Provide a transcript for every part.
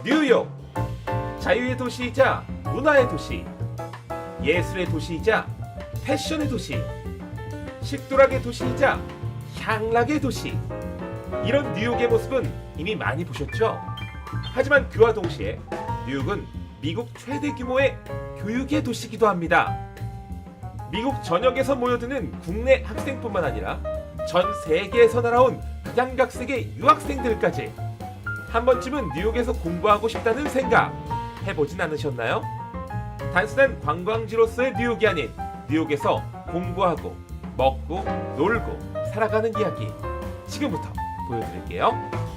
뉴욕, 자유의 도시이자 문화의 도시, 예술의 도시이자 패션의 도시, 식도락의 도시이자 향락의 도시. 이런 뉴욕의 모습은 이미 많이 보셨죠? 하지만 그와 동시에 뉴욕은 미국 최대 규모의 교육의 도시이기도 합니다. 미국 전역에서 모여드는 국내 학생뿐만 아니라 전 세계에서 날아온 각양각색의 유학생들까지 한 번쯤은 뉴욕에서 공부하고 싶다는 생각 해보진 않으셨나요? 단순한 관광지로서의 뉴욕이 아닌 뉴욕에서 공부하고 먹고 놀고 살아가는 이야기 지금부터 보여드릴게요.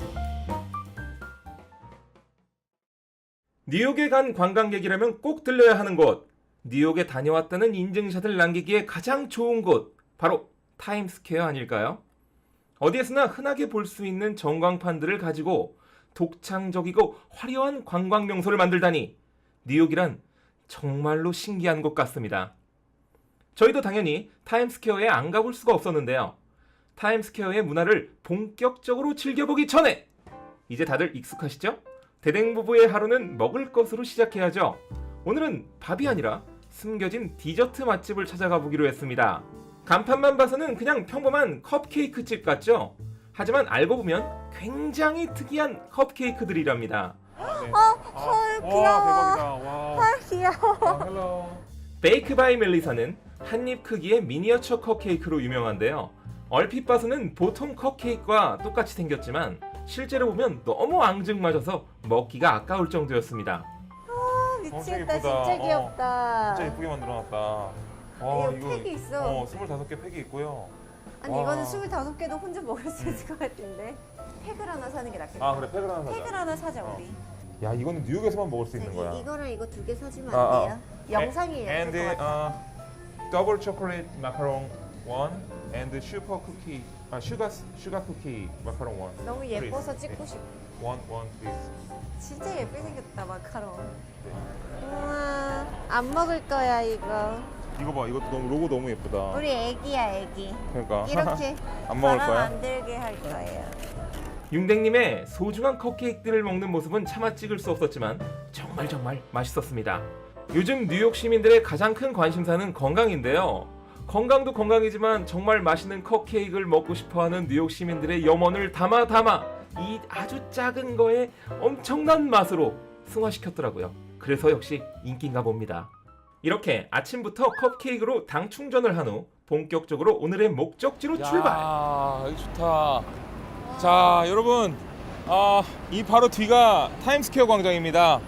뉴욕에 간 관광객이라면 꼭 들려야 하는 곳, 뉴욕에 다녀왔다는 인증샷을 남기기에 가장 좋은 곳, 바로 타임스퀘어 아닐까요? 어디에서나 흔하게 볼 수 있는 전광판들을 가지고 독창적이고 화려한 관광 명소를 만들다니 뉴욕이란 정말로 신기한 곳 같습니다. 저희도 당연히 타임스퀘어에 안 가볼 수가 없었는데요. 타임스퀘어의 문화를 본격적으로 즐겨보기 전에 이제 다들 익숙하시죠? 대댕부부의 하루는 먹을 것으로 시작해야죠. 오늘은 밥이 아니라 숨겨진 디저트 맛집을 찾아가 보기로 했습니다. 간판만 봐서는 그냥 평범한 컵케이크 집 같죠? 하지만 알고 보면 굉장히 특이한 컵케이크들이랍니다. 헐 귀여워. 대박이다. 와. 헐 귀여워. 헬로. 베이크 바이 멜리사는 한입 크기의 미니어처 컵케이크로 유명한데요. 얼핏 봐서는 보통 컵케이크와 똑같이 생겼지만 실제로 보면 너무 앙증맞아서 먹기가 아까울 정도였습니다. 미치겠다. 예쁘다. 진짜 귀엽다. 진짜 예쁘게 만들어놨다. 이거 팩이 있어. 25개 팩이 있고요. 아니 와. 이거는 25개도 혼자 먹을 수 있을 것 같은데. 팩을 하나 사는 게 낫겠다. 아 그래 팩을 하나 사자. 팩을 하나 사자 우리. 야 이거는 뉴욕에서만 먹을 수 있는 거야. 이거랑 이거 두 개 사주면 아, 안 돼요? 영상이에요. And 될것 같아. double chocolate macaron one and super cookie. sugar cookie macaron one. 너무 please. 예뻐서 찍고 싶어. one please. 진짜 예쁘게 생겼다 마카롱. 네. 우와 안 먹을 거야 이거. 이거 봐 이것도 너무 로고 너무 예쁘다. 우리 애기야 애기. 그러니까 이렇게 안 먹을 바람 거야? 안 들게 할 거예요. 융댕님의 소중한 컵케이크들을 먹는 모습은 차마 찍을 수 없었지만 정말 맛있었습니다. 요즘 뉴욕 시민들의 가장 큰 관심사는 건강인데요. 건강도 건강이지만 정말 맛있는 컵케이크를 먹고 싶어하는 뉴욕 시민들의 염원을 담아 이 아주 작은 거에 엄청난 맛으로 승화시켰더라고요. 그래서 역시 인기인가 봅니다. 이렇게 아침부터 컵케이크로 당 충전을 한 후 본격적으로 오늘의 목적지로 출발! 여기 좋다. 자, 여러분, 이 바로 뒤가 타임스퀘어 광장입니다.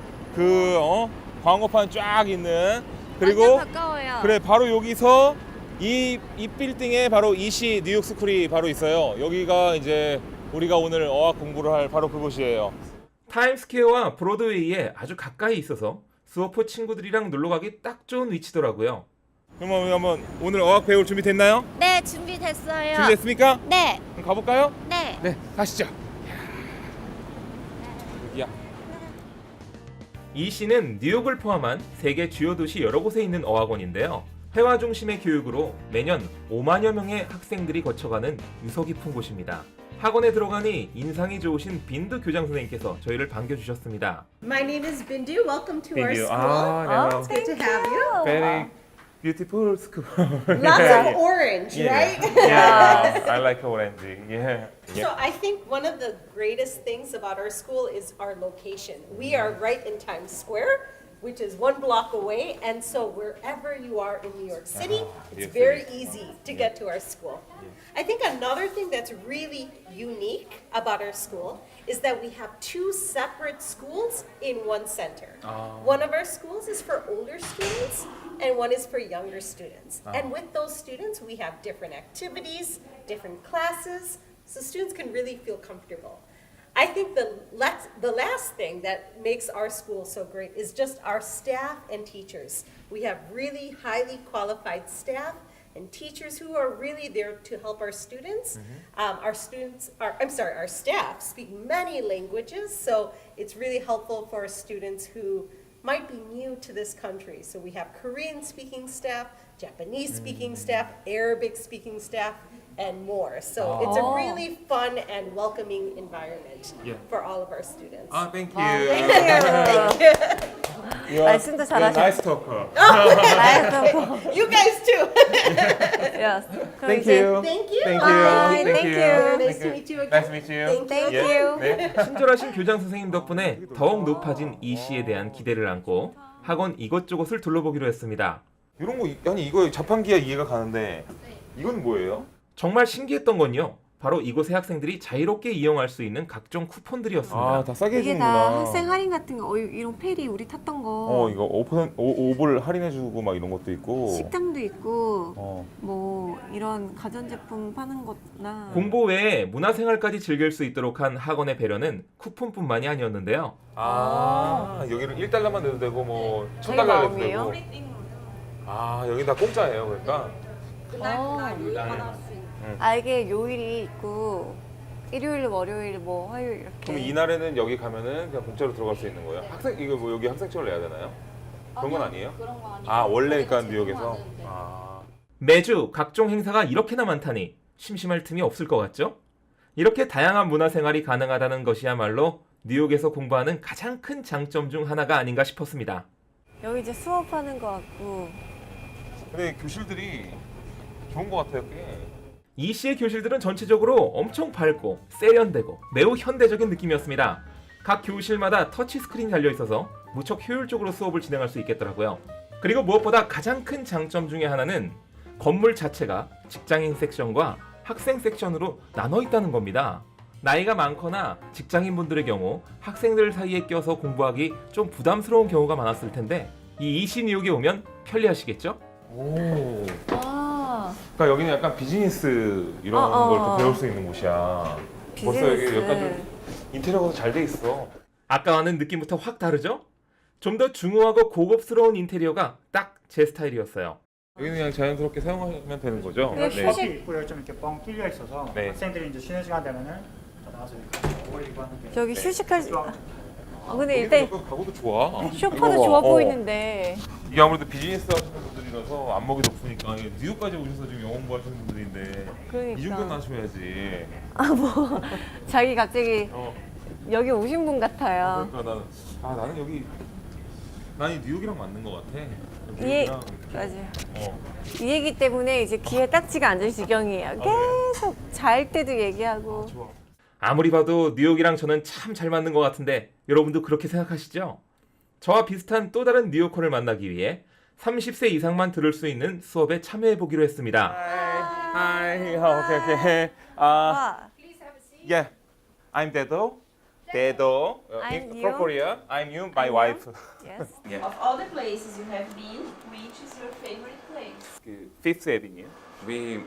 광고판 쫙 있는. 그리고 완전 가까워요. 그래 바로 여기서 이 빌딩에 바로 이시 뉴욕 스쿨이 바로 있어요. 여기가 이제 우리가 오늘 어학 공부를 할 바로 그곳이에요. 타임스퀘어와 브로드웨이에 아주 가까이 있어서 수어포 친구들이랑 놀러가기 딱 좋은 위치더라고요. 그럼 우리 한번 오늘 어학 배울 준비 됐나요? 네 준비됐어요. 준비됐습니까? 네. 그럼 가볼까요? 네. 네, 가시죠. 여기야. 이 시는 뉴욕을 포함한 세계 주요 도시 여러 곳에 있는 어학원인데요. 회화 중심의 교육으로 매년 5만여 명의 학생들이 거쳐가는 유서 깊은 곳입니다. 학원에 들어가니 인상이 좋으신 빈드 교장 선생님께서 저희를 반겨주셨습니다. My name is Bindu. Welcome to our Bindu. school. 네. It's good to have you. Very beautiful school. Lots of orange, right? Yeah, I like orange. Yeah. So I think one of the greatest things about our school is our location. We are right in Times Square, which is 1 block away, and so wherever you are in New York City, it's yes, very yes. easy to get to our school. I think another thing that's really unique about our school is that we have 2 separate schools in one center. One of our schools is for older students and one is for younger students. And with those students, we have different activities, different classes, so students can really feel comfortable. I think the last thing that makes our school so great is just our staff and teachers. We have really highly qualified staff and teachers who are really there to help our students. Our staff speak many languages, so it's really helpful for our students who might be new to this country. So we have Korean speaking staff, Japanese speaking staff, Arabic speaking staff, and more. So it's a really fun and welcoming environment Yeah. for all of our students. 아, thank 아, you. 땡큐. 말씀도 잘하셔. 나이스 토커. You guys too. Yes. 그럼 Thank 이제 you. Thank you. Thank Bye. you. Thank you. Nice to meet you again. Nice to meet you. Thank you. Thank you. 친절하신 교장 선생님 덕분에 더욱 높아진 이 씨에 대한 기대를 안고 학원 이것저것을 둘러보기로 했습니다. 이런 거 아니 이거 자판기야 이해가 가는데 이건 뭐예요? 정말 신기했던 건요. 바로 이곳의 학생들이 자유롭게 이용할 수 있는 각종 쿠폰들이었습니다. 다 싸게 이게 해주는구나. 다 학생 할인 같은 거. 이런 페리 우리 탔던 거. 이거 5불 할인해주고 막 이런 것도 있고. 식당도 있고 어. 뭐 이런 가전제품 파는 거나 공부 외에 문화생활까지 즐길 수 있도록 한 학원의 배려는 쿠폰뿐만이 아니었는데요. 여기는 1달러만 내도 되고 뭐 저희 1000달러 내도 마음이에요? 되고. 여기 다 공짜예요 그러니까. 이게 요일이 있고 일요일, 월요일, 뭐 화요일 이렇게. 그럼 이날에는 여기 가면은 그냥 공짜로 들어갈 수 있는 거예요? 학생 이거 뭐 여기 학생증을 내야 되나요? 그런 건 아니에요? 그런 거 아니고. 원래 그러니까 뉴욕에서. 네. 매주 각종 행사가 이렇게나 많다니 심심할 틈이 없을 것 같죠? 이렇게 다양한 문화생활이 가능하다는 것이야말로 뉴욕에서 공부하는 가장 큰 장점 중 하나가 아닌가 싶었습니다. 여기 이제 수업하는 거 같고. 근데 교실들이 좋은 것 같아요 꽤. 이 씨의 교실들은 전체적으로 엄청 밝고 세련되고 매우 현대적인 느낌이었습니다. 각 교실마다 터치스크린이 달려있어서 무척 효율적으로 수업을 진행할 수 있겠더라고요. 그리고 무엇보다 가장 큰 장점 중에 하나는 건물 자체가 직장인 섹션과 학생 섹션으로 나눠 있다는 겁니다. 나이가 많거나 직장인분들의 경우 학생들 사이에 껴서 공부하기 좀 부담스러운 경우가 많았을 텐데 이 이시 뉴욕에 오면 편리하시겠죠? 오. 아, 그러니까 여기는 약간 비즈니스 이런 걸 또 배울 수 있는 곳이야. 벌써 여기 약간 좀 인테리어가 잘 돼 있어. 아까와는 느낌부터 확 다르죠? 좀 더 중후하고 고급스러운 인테리어가 딱 제 스타일이었어요. 여기는 그냥 자연스럽게 사용하면 되는 거죠? 네, 네. 휴식- 입구에 좀 이렇게 뻥 뚫려 있어서 네. 학생들이 이제 쉬는 시간 되면은 다 나와서 이렇게 어울리고 하는데 저기 휴식할 수. 근데 여기 일단 약간 가구도 좋아. 쇼파도 이거 봐. 좋아 보이는데. 이게 아무래도 비즈니스 하시는 분들이라서 안목이 높으니까 뉴욕까지 오셔서 지금 영어 공부하시는 분들인데 이 정도는 그러니까. 하셔야지. 자기 갑자기 어. 여기 오신 분 같아요. 그러니까 나는 여기 난 뉴욕이랑 맞는 것 같아. 예. 뉴욕이랑 맞아요. 어. 이 얘기 때문에 이제 귀에 딱지가 앉을 지경이에요. 계속 잘 때도 얘기하고. 좋아. 아무리 봐도 뉴욕이랑 저는 참 잘 맞는 것 같은데 여러분도 그렇게 생각하시죠? 저와 비슷한 또 다른 뉴요커를 만나기 위해 30세 이상만 들을 수 있는 수업에 참여해보기로 했습니다. Hi. Okay. 아, Yeah. I'm Dedo. Dedo. I'm from you. Korea. I'm you, my I'm wife. yes. Of all the places you have been, which is your favorite place? 그 Fifth Avenue. We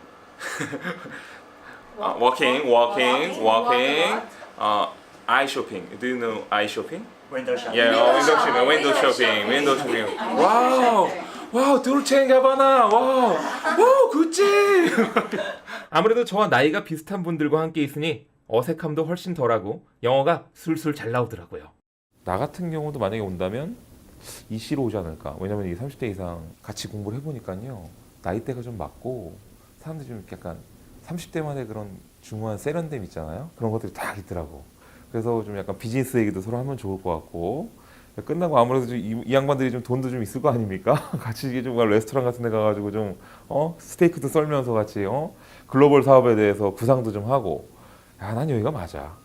Walking, walking. Eye shopping. Do you know eye shopping? 윈도우 샵. Yeah, window shopping. 와우, 돌체 가바나. 와우, 구찌. 아무래도 저와 나이가 비슷한 분들과 함께 있으니 어색함도 훨씬 덜하고 영어가 술술 잘 나오더라고요. 나 같은 경우도 만약에 온다면 이 C로 오지 않을까. 왜냐면 이 30대 이상 같이 공부를 해보니까요. 나이대가 좀 맞고 사람들이 좀 약간 30대만의 그런 중후한 세련됨 있잖아요. 그런 것들이 다 있더라고. 그래서 좀 약간 비즈니스 얘기도 서로 하면 좋을 것 같고 끝나고 아무래도 좀 이 양반들이 좀 돈도 좀 있을 거 아닙니까? 같이 이게 좀 레스토랑 같은 데 가가지고 좀 스테이크도 썰면서 같이 글로벌 사업에 대해서 구상도 좀 하고 난 여기가 맞아.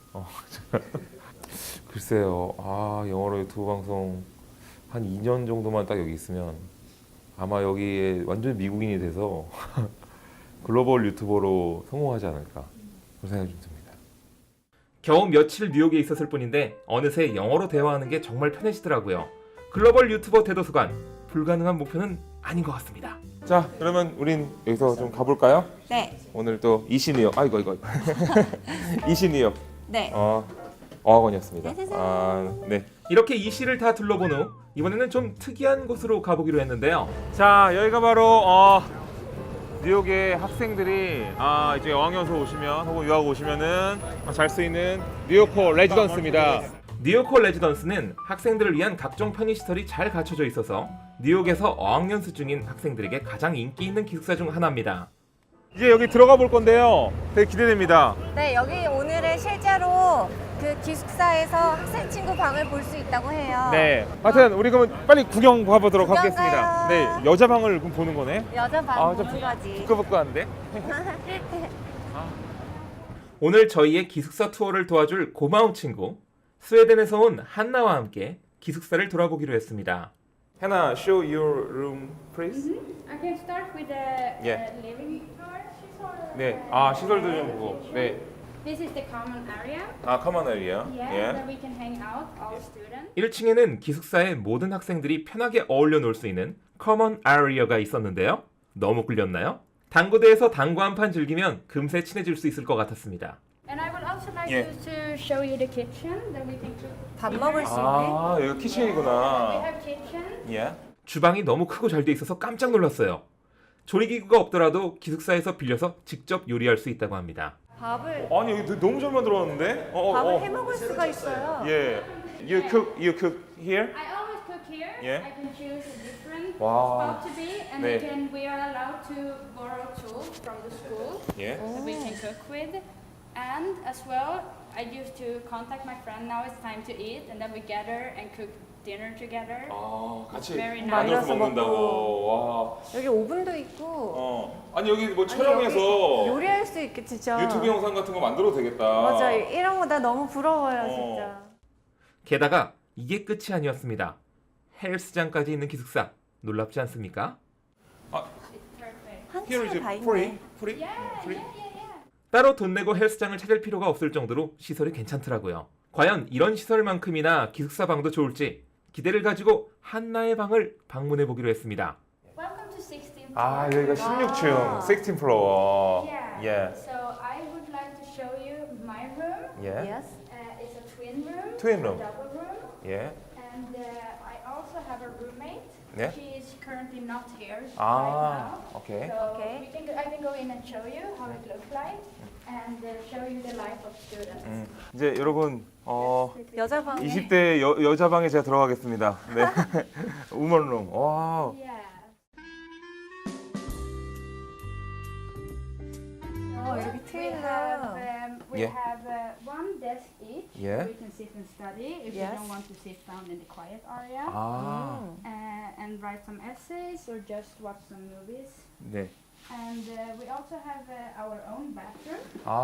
글쎄요. 영어로 유튜브 방송 한 2년 정도만 딱 여기 있으면 아마 여기에 완전 미국인이 돼서 글로벌 유튜버로 성공하지 않을까 그런 생각이 좀 듭니다. 겨우 며칠 뉴욕에 있었을 뿐인데 어느새 영어로 대화하는 게 정말 편해지더라고요. 글로벌 유튜버 대도서관, 불가능한 목표는 아닌 것 같습니다. 자, 그러면 우린 여기서 좀 가볼까요? 네. 오늘 또 이시 뉴욕, 이거 이시 뉴욕 네. 어학원이었습니다. 짜자잔. 네. 이렇게 이 시를 다 둘러본 후 이번에는 좀 특이한 곳으로 가보기로 했는데요. 자, 여기가 바로 뉴욕의 학생들이 이제 어학연수 오시면 혹은 유학 오시면은 잘 수 있는 뉴요커 레지던스입니다. 뉴요커 레지던스는 학생들을 위한 각종 편의시설이 잘 갖춰져 있어서 뉴욕에서 어학연수 중인 학생들에게 가장 인기 있는 기숙사 중 하나입니다. 이제 여기 들어가 볼 건데요. 되게 기대됩니다. 네, 여기 오늘은 실제로 그 기숙사에서 학생 친구 방을 볼 수 있다고 해요. 네. 하여튼 우리 그러면 빨리 구경 가보도록 구경 하겠습니다. 가요. 네, 여자 방을 그럼 보는 거네. 여자 방 좀 보는 거지. 부끄부끄한데. 오늘 저희의 기숙사 투어를 도와줄 고마운 친구 스웨덴에서 온 한나와 함께 기숙사를 돌아보기로 했습니다. Hannah, show your room, please. I can start with the Yeah. living floor. 네, 시설도 좀 보고. 네, This is the common area. common area. Yeah, where we can hang out, all students. 1층에는 기숙사의 모든 학생들이 편하게 어울려 놀 수 있는 커먼 아리아가 있었는데요. 너무 끌렸나요? 당구대에서 당구 한 판 즐기면 금세 친해질 수 있을 것 같았습니다. And I would also like Yeah. to show you the kitchen that we can cook. 밥 먹을 수 있네. 여기가 We 키친이구나. have kitchen. 예. 주방이 너무 크고 잘 돼 있어서 깜짝 놀랐어요. 조리기구가 없더라도 기숙사에서 빌려서 직접 요리할 수 있다고 합니다. 밥을 아니 여기 너무 잘 만들었는데? 밥을 해 먹을 수가 있어요. 예. You cook here? I always cook here. Yeah. I can choose a different Wow. spot to be, and 네. we are allowed to borrow tools from the school 예. that we can cook with. And as well, I used to contact my friend. Now it's time to eat, and then we gather and cook dinner together. 같이 Very nice. 만들어서 만들어서 먹는다고. 와. 여기 오븐도 있고 아니 여기 뭐 아니, 촬영해서 여기 요리할 수 있게 진짜. 유튜브 영상 같은 거 만들어도 되겠다. 맞아, 이런 거 나 너무 부러워요, 어. 진짜. 게다가 이게 끝이 아니었습니다. 헬스장까지 있는 기숙사. 놀랍지 않습니까? Perfect. 한 층에 다 있네. 따로 돈 내고 헬스장을 찾을 필요가 없을 정도로 시설이 괜찮더라고요. 과연 이런 시설만큼이나 기숙사 방도 좋을지 기대를 가지고 한나의 방을 방문해 보기로 했습니다. Welcome to 16th floor. 여기가 16층, 16 플로어. Yeah. So I would like to show you my room. Yes. It's a twin room. Twin room. Double room. 예. And I also have a roommate. Yeah. She is currently not here right now. 오케이. So Okay. I can go in and show you how it looks like and show you the life of students. 이제 여러분 여자 방에 20대 여자 방에 제가 들어가겠습니다. 네. 우먼룸. 와. Yeah. 이렇게 트일러. We Yeah. have one desk each. Yeah. We can sit and study if Yes. you don't want to sit down in the quiet area. And write some essays or just watch some movies. 네. And we also have our own bathroom.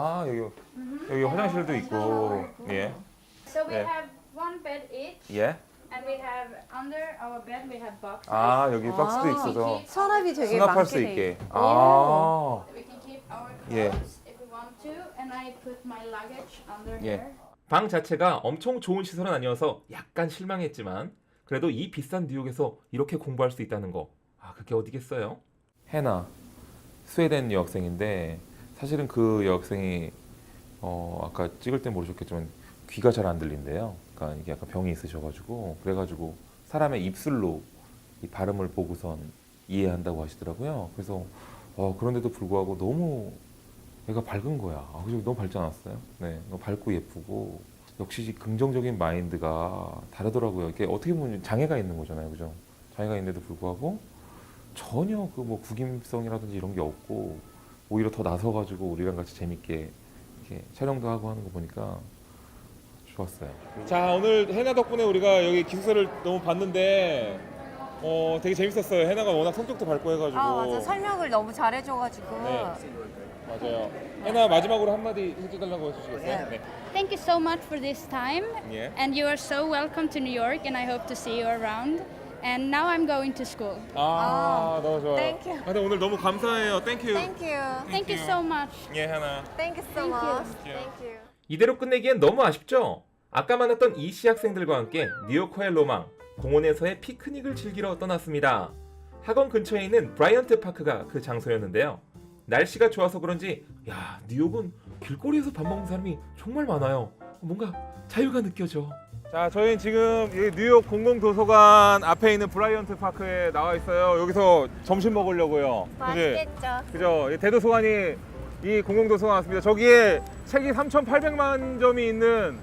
여기 화장실도 있고. 예. So we Yeah. have one bed each. 예. And we have under our bed we have boxes. 여기 박스도 있어서 서랍이 되게 수납할 많게 수 돼 있게. 있고. We can keep our clothes Yeah. if we want to. And I put my luggage under Yeah. here. 방 자체가 엄청 좋은 시설은 아니어서 약간 실망했지만 그래도 이 비싼 뉴욕에서 이렇게 공부할 수 있다는 거. 그게 어디겠어요? 해나 스웨덴 여학생인데 사실은 그 여학생이 아까 찍을 때 모르셨겠지만 귀가 잘 안 들린대요. 그러니까 이게 약간 병이 있으셔가지고 그래가지고 사람의 입술로 이 발음을 보고선 이해한다고 하시더라고요. 그래서 그런데도 불구하고 너무 애가 밝은 거야. 그죠? 너무 밝지 않았어요? 네, 너무 밝고 예쁘고 역시 긍정적인 마인드가 다르더라고요. 이게 어떻게 보면 장애가 있는 거잖아요, 그죠? 장애가 있는데도 불구하고 전혀 그 뭐 구김성이라든지 이런 게 없고 오히려 더 나서가지고 우리랑 같이 재밌게 이렇게 촬영도 하고 하는 거 보니까 좋았어요. 자, 오늘 해나 덕분에 우리가 여기 기숙사를 너무 봤는데 되게 재밌었어요. 해나가 워낙 성격도 밝고 해가지고. 맞아. 설명을 너무 잘해줘가지고. 네. 맞아요. 해나 마지막으로 한마디 해주달라고 해주시겠어요? 네. Thank you so much for this time. Yeah. And you are so welcome to New York, and I hope to see you around. And now I'm going to school. 너무 좋아요. Thank you. 근데 오늘 너무 감사해요. Thank you. Thank you. Thank you so much. 예, 해나. Thank you so much. Thank you. 이대로 끝내기엔 너무 아쉽죠? 아까 만났던 이씨 학생들과 함께 뉴요커의 로망, 공원에서의 피크닉을 즐기러 떠났습니다. 학원 근처에 있는 브라이언트 파크가 그 장소였는데요. 날씨가 좋아서 그런지 뉴욕은 길거리에서 밥 먹는 사람이 정말 많아요. 뭔가 자유가 느껴져. 자, 저희는 지금 뉴욕 공공도서관 앞에 있는 브라이언트 파크에 나와 있어요. 여기서 점심 먹으려고요. 맛있겠죠. 그죠? 대도서관이 이 공공도서관 왔습니다. 저기에 책이 3,800만 점이 있는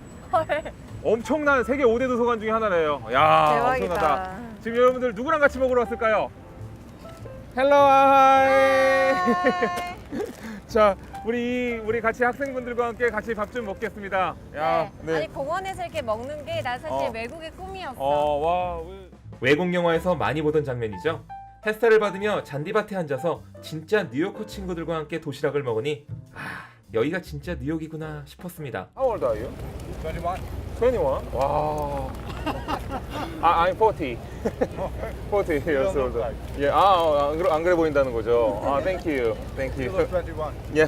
엄청난 세계 5대 도서관 중에 하나래요. 대박이다. 엄청나다. 지금 여러분들 누구랑 같이 먹으러 왔을까요? 헬로 하이. 자, 우리 같이 학생분들과 함께 같이 밥 좀 먹겠습니다. 야, 아니 공원에서 이렇게 먹는 게 난 사실 어. 외국의 꿈이었어. 와. 외국 영화에서 많이 보던 장면이죠. 햇살을 받으며 잔디밭에 앉아서 진짜 뉴요커 친구들과 함께 도시락을 먹으니 여기가 진짜 뉴욕이구나 싶었습니다. How old are you? 21. 21? 와. I'm 40. 40 years old. 예, 안 그래 보인다는 거죠. Thank you. Thank you. 21. 예.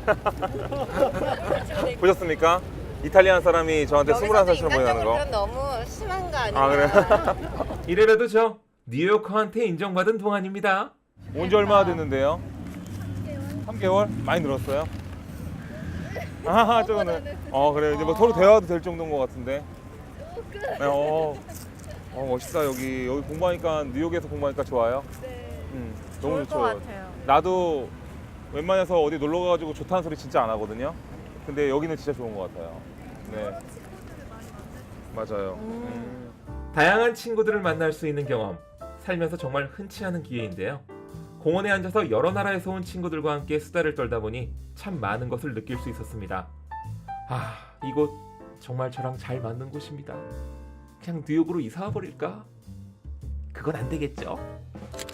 보셨습니까? 이탈리안 사람이 저한테 21살처럼 보이는 거. 너무 심한 거 아니야? 그래. 이래라도 저 뉴요커한테 인정받은 동안입니다. 온 지 얼마나 됐는데요? 3개월? 많이 늘었어요? 저거는. 그래. 이제 뭐 서로 대화도 될 정도인 것 같은데. 네, 멋있다 여기 공부하니까 뉴욕에서 공부하니까 좋아요. 너무 좋을 좋죠. 것 같아요. 나도 웬만해서 어디 놀러 가가지고 좋다는 소리 진짜 안 하거든요. 근데 여기는 진짜 좋은 것 같아요. 네. 맞아요. 다양한 친구들을 만날 수 있는 경험, 살면서 정말 흔치 않은 기회인데요. 공원에 앉아서 여러 나라에서 온 친구들과 함께 수다를 떨다 보니 참 많은 것을 느낄 수 있었습니다. 이곳 정말 저랑 잘 맞는 곳입니다. 그냥 뉴욕으로 이사 와 버릴까? 그건 안 되겠죠?